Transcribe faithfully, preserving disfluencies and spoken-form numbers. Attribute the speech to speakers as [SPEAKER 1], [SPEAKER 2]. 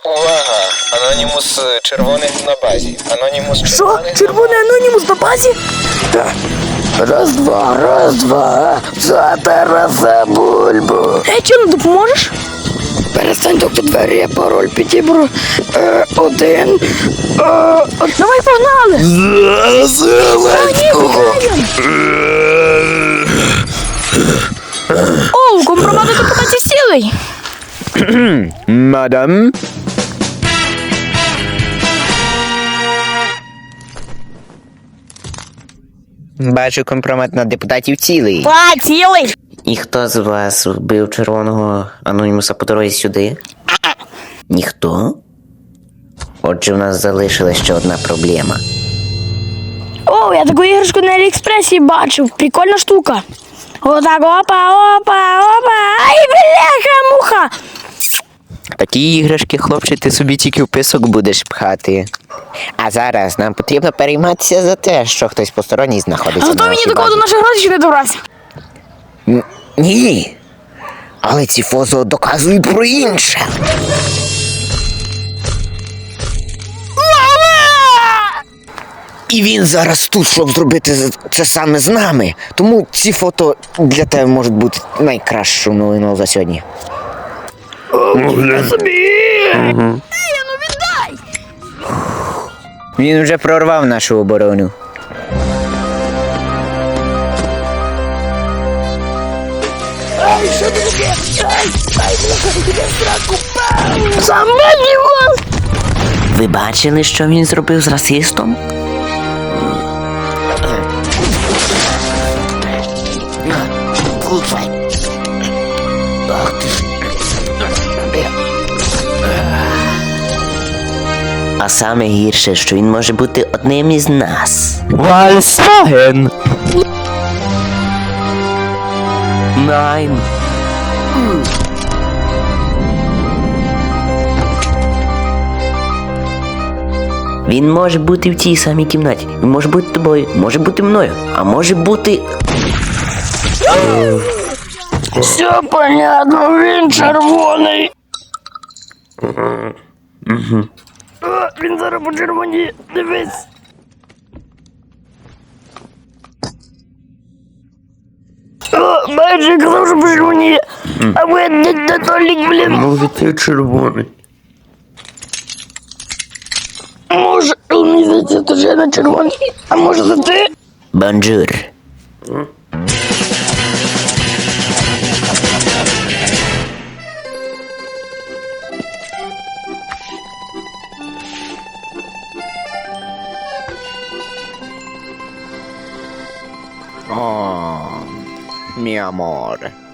[SPEAKER 1] Увага! Анонімус е, червоний на базі. Анонімус
[SPEAKER 2] Що?
[SPEAKER 1] червоний.
[SPEAKER 2] Червоний анонімус на базі?
[SPEAKER 3] Раз, два, раз, два, за Тараса Бульбу.
[SPEAKER 2] Ей, чи не допоможеш?
[SPEAKER 3] Перестань тукти двері, я пароль підібру. Е, один. Е,
[SPEAKER 2] Давай погнали!
[SPEAKER 3] за Зеленського.
[SPEAKER 2] О, компромат до депутатів сілий!
[SPEAKER 3] Мадам.
[SPEAKER 4] Бачу компромат на депутатів цілий.
[SPEAKER 2] Та, цілий!
[SPEAKER 4] І хто з вас вбив червоного анонімуса по дорозі сюди? Ніхто? Отже, в нас залишилась ще одна проблема.
[SPEAKER 2] О, я таку іграшку на Аліекспресі бачив. Прикольна штука. Отак, опа, опа, опа. Ай, бляха-муха!
[SPEAKER 4] Такі іграшки, хлопче, ти собі тільки в писок будеш пхати. А зараз нам потрібно перейматися за те, що хтось посторонній знаходиться
[SPEAKER 2] А
[SPEAKER 4] на
[SPEAKER 2] хто мені
[SPEAKER 4] нашій
[SPEAKER 2] такого до
[SPEAKER 4] базі.
[SPEAKER 2] наших грошей не добрався?
[SPEAKER 4] Н- Ні. Але ці фото доказують про інше. І він зараз тут, щоб зробити з- це саме з нами. Тому ці фото для тебе можуть бути найкращою новиною за сьогодні. Він вже прорвав нашу оборону.
[SPEAKER 2] Замені вас!
[SPEAKER 4] Ви бачили, що він зробив з расистом? А саме гірше, що він може бути одним із нас.
[SPEAKER 3] Volkswagen.
[SPEAKER 4] Найн. Він може бути в тій самій кімнаті. Він може бути тобою, може бути мною, а може бути.
[SPEAKER 2] Все понятно, він червоний. О, він зараз по червоні, дивись. О, бачиш, я казав, що по червоні. А ви не Толік, блін.
[SPEAKER 3] Може ти червоний.
[SPEAKER 2] Може, мені здається, то я на червоний. А може це ти?
[SPEAKER 4] Бонжур. О, мій амор.